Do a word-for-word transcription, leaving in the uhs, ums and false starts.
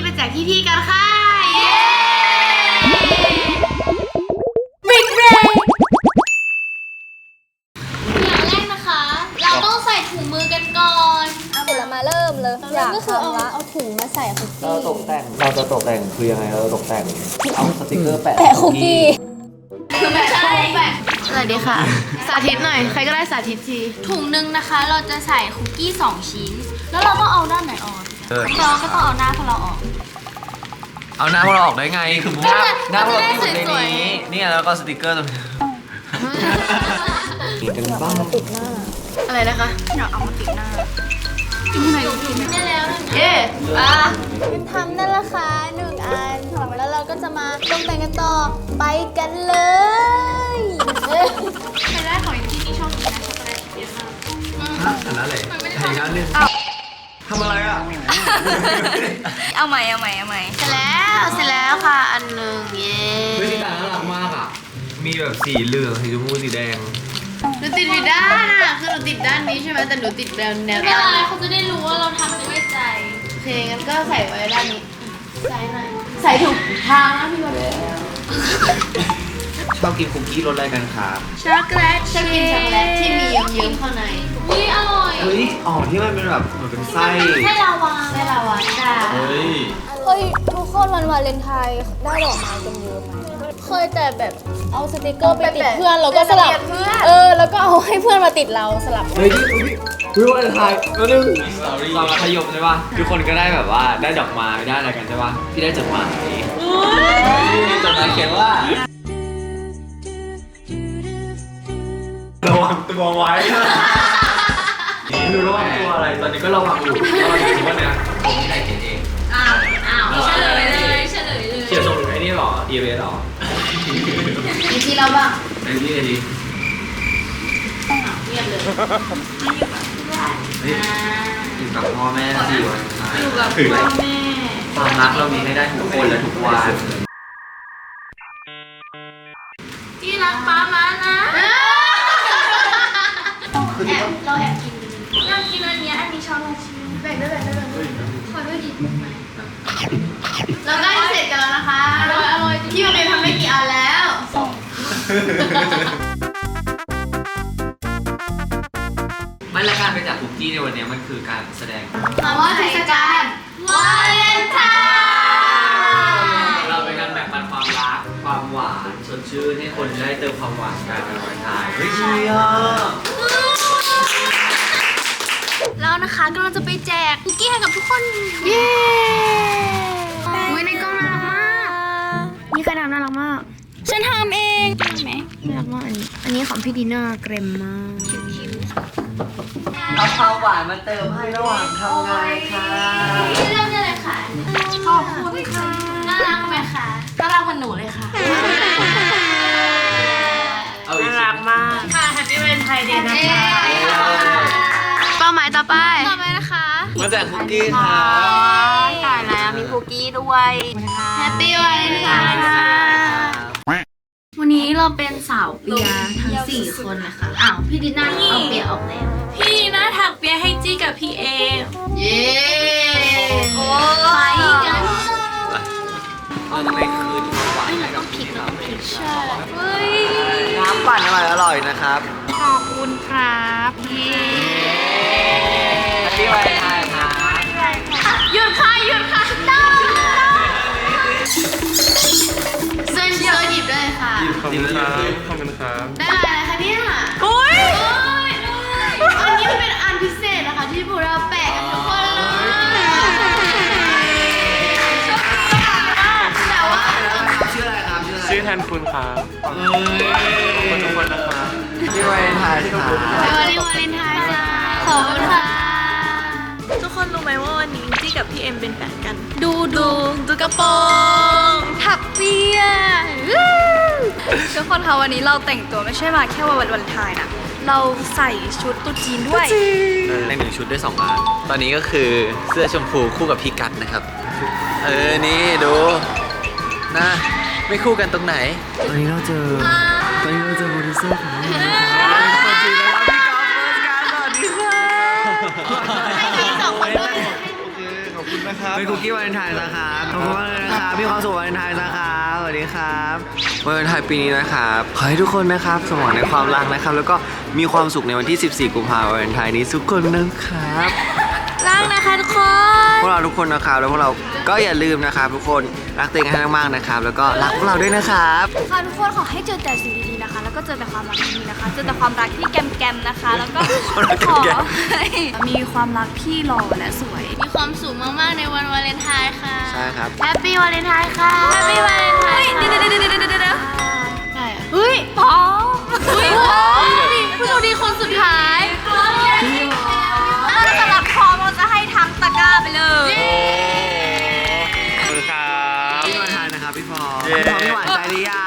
แจกพี่ๆกันค่ะเย้บิ๊กเบรย์อย่างแรกนะคะเราต้องใส่ถุงมือกันก่อนเสร็จแล้วมาเริ่มเลยอยากทำละเอาถุงมาใส่คุกเรากี้ตกแต่งเราจะตกแต่งคือยังไงเราตกแต่งเอาสติกเกอร์แปะแปะคุกกี้ไม่ใช่แบบสวัสดีค่ะสาธิตหน่อยใครก็ได้สาธิตทีถุงหนึ่งนะคะเราจะใส่คุกกี้สองชิ้นแล้วเราต้องเอาด้านไหนออกเราก็ต้องเอาหน้าพวกเราออกเอาหน้าพวกเราออกได้ไงคือหน้าหน้าพวกเราอยู่ในสวยนี้เนี่ยแล้วก็สติกเกอร์ตรงนี้ติดกันบ้างติดหน้าอะไรนะคะอยากเอามาติดหน้าไหนดูได้แล้วเย้อ่ะเป็นทำนั่นแหละค่ะหนึ่งอันแล้วเราก็จะมาตกแต่งกันต่อไปกันเลยเอ้ยใครได้ของที่นี่ชอบกินนะช็อกโกแลตเยอะมากอันนั้นเลยใช่ครับนึงทำอะไรอ่ะเอาใหม่เอาใหม่เอาใหม่เสร็จแล้วเสร็จแล้วค่ะอันหนึ่งเย้เฮ้ยนี่ตาน่ารักมากอ่ะมีแบบสีเหลืองสีชมพูสีแดงหนูติดผิดด้านอ่ะคือหนูติดด้านนี้ใช่ไหมแต่หนูติดแนวแนวไม่เป็นไรด้านเขาจะได้รู้ว่าเราทำด้วยใจโอเคงั้นก็ใส่ไว้ด้านนี้ใส่หน่อยใส่ถูกทางนะพี่บอลชอบกินคุกกี้รสอะไรกันครับช็อกโกแลตชอบกินช็อกโกแลตที่มีเยิ้มๆข้างในนี่อร่อยเฮ้ยอ๋อที่มันเป็นแบบเหมือนเป็นไส้ให้ลาวาไส้ลาวาจ้าเฮ้ยเฮ้ยทุกคนวันวาเลนไทน์ได้ดอกไม้กันเยอะไหมเคยแต่แบบเอาสติกเกอร์ไปติดเพื่อนแล้วก็สลับเออแล้วก็เอาให้เพื่อนมาติดเราสลับเฮ้ยนี่เฮ้ยเฮ้ยวันไทยแล้วนึงตอนมัธยมใช่ป่ะทุกคนก็ได้แบบว่าได้ดอกไม้ได้อะไรกันใช่ป่ะพี่ได้จดหมายจดหมายเขียนว่าระวังตัวไว้ไม่รู้ระวังตัวอะไรตอนนี้ก็ระวังอยู่ระวังอยู่ว่าเนี่ยผมที่ไหนเขียนเองอ้าวอ้าวเฉลยเลยเฉลยเลยเขียนส่งถึงไอ้นี่หรอ อี เอ เอส หรอมีที่เราบ้างไอ้นี่ไอ้นี่เงียบเลยเฮ้ยอยู่กับพ่อแม่สิวันอยู่กับพ่อแม่ความรักเรามีให้ได้ทุกคนและทุกวันที่รักป้ามานะแอบเราแอบกินอยากกินอันเนี้ยอันนี้ช้อนละชิ้นแบ่งด้วยแบ่งด้วยแบ่งด้วยขอด้วยดิเราได้เสร็จกันแล้วนะคะอร่อยอร่อยพี่มันเป็นทำไม่กี่อันแล้วสองไม่ละการไปจากคุกกี้ในวันนี้มันคือการแสดงคำว่าเทศกาลวาเลนไทน์เราเป็นการแบ่งปันความรัก ความหวานสดชื่นให้คนได้เติมความหวานกันในวันไทยเฮ้ยเชียร์แล้วนะคะกำลังจะไปแจกคุกกี้ให้กับทุกคนเย้อุ้ยในกล้องน่ารักมาก นี่ใครทำน่ารักมากฉันทำเองใช่ไหมน่ารักมากอันนี้ อันนี้ของพี่ดีน่าเกรมมากเอาความหวานมาเติมให้ระหว่างทำงานค่ะเริ่มได้เลยค่ะขอบคุณค่ะน่ารักไหมคะน่ารักเหมือนหนูเลยค่ะเอาอีกน่าชิ้รันกมากค่ะแฮปปี้เวนไทยเดย์นะคะเป้าหมายต่อไปต่อไปนะคะมาแจกคุกกี้ค่ะตายแล้วมีคุกกี้ด้วยแฮปปี้วันไทยค่ะวันนี้เราเป็นสาวเปียทั้งสี่คนนะคะ อ้าว พี่ดีน่าเอาเปียออกแล้วพี่น่าถักเปียให้จี้กับพี่เอเย้โอ้ไปกันเราจะไปคืนความหวานให้กับพี่เขาใช่เฮ้ยน้ำปั่นอร่อยอร่อยนะครับขอบคุณครับพี่แฮปปี้วันไทยครับหยุดค่ะหยุดค่ะต้องเซินเชิญหยิบด้วยค่ะขอบคุณครับขอบคุณครับได้อะไรคะเนี่ยอุ้ยอันนี้มันเป็นอันพิเศษนะคะที่พวกเราแปะกันทุกคนเลยแต่ว่าชื่ออะไรครับชื่ออะไรชื่อแทนคุณครับเอ้ยขอบคุณทุกคนนะครับพี่วาเลนไทน์ครับไปวันนี้วาเลนไทน์จ้าขอบคุณค่ะทุกคนรู้ไหมว่าวันนี้จี้กับพี่เอ็มเป็นแฟนกัน ดูดูดูกระโปรงถักเปียทุกคนคะวันนี้เราแต่งตัวไม่ใช่มาแค่วันวาเลนไทน์นะเราใส่ชุดตุ๊จีนด้วยในหนึ่งชุดได้สองอันตอนนี้ก็คือเสื้อชมพูคู่กับพี่กัดนะครับ เออ นี่ดูนะไม่คู่กันตรงไหน ตอนนี้เราเจอ ตอนนี้เราเจอโปรดิวเซอร์ของเราสวัสดีนะครับพี่ก๊อฟเฟิร์สการสวัสดีค่ะให้พี่สองคนด้วยโอเค ขอบคุณมนะครับเป็นคุกกี้วาเลนไทน์นะครับขอบคุณมากเลยนะครับมีความสุขวาเลนไทน์นะครับสวัสดีครับวาเลนไทน์ปีนี้นะครับขอให้ทุกคนนะครับสมหวังในความรักนะครับแล้วก็มีความสุขในวันที่สิบสี่กุมภาพันธ์วาเลนไทน์นี้ทุกคนนะครับรักนะคะทุกคนพวกเราทุกคนนะครับแล้วพวกเราก็อย่าลืมนะครับทุกคนรักตัวเองให้มากๆนะครับแล้วก็รักพวกเราด้วยนะครับค่ะทุกคนขอให้เจอแต่สิ่งดีๆนะคะ แล้วก็เจอแต่ความรักดีๆนะคะ เจอแต่ความรักที่แกมๆนะคะ แล้วก็ขอให้มีความรักที่หล่อและสวยมีความสุขมากๆในวันวาเลนไทน์ค่ะใช่ครับแฮปปี้วาเลนไทน์ค่ะแฮปปี้วาเลนไทน์เดี๋ยวเดี๋ยวเดี๋ยวเดี๋ยวเดี๋ยวได้อะเฮ้ยพออุ้ยผู้โชคดีคนสุดท้ายสำหรับพร้อมเราจะให้ทั้งตะกร้าไปเลยขอบคุณครับพี่วาเลนไทน์นะครับพี่พอพี่พอพี่หวานใจหรือยั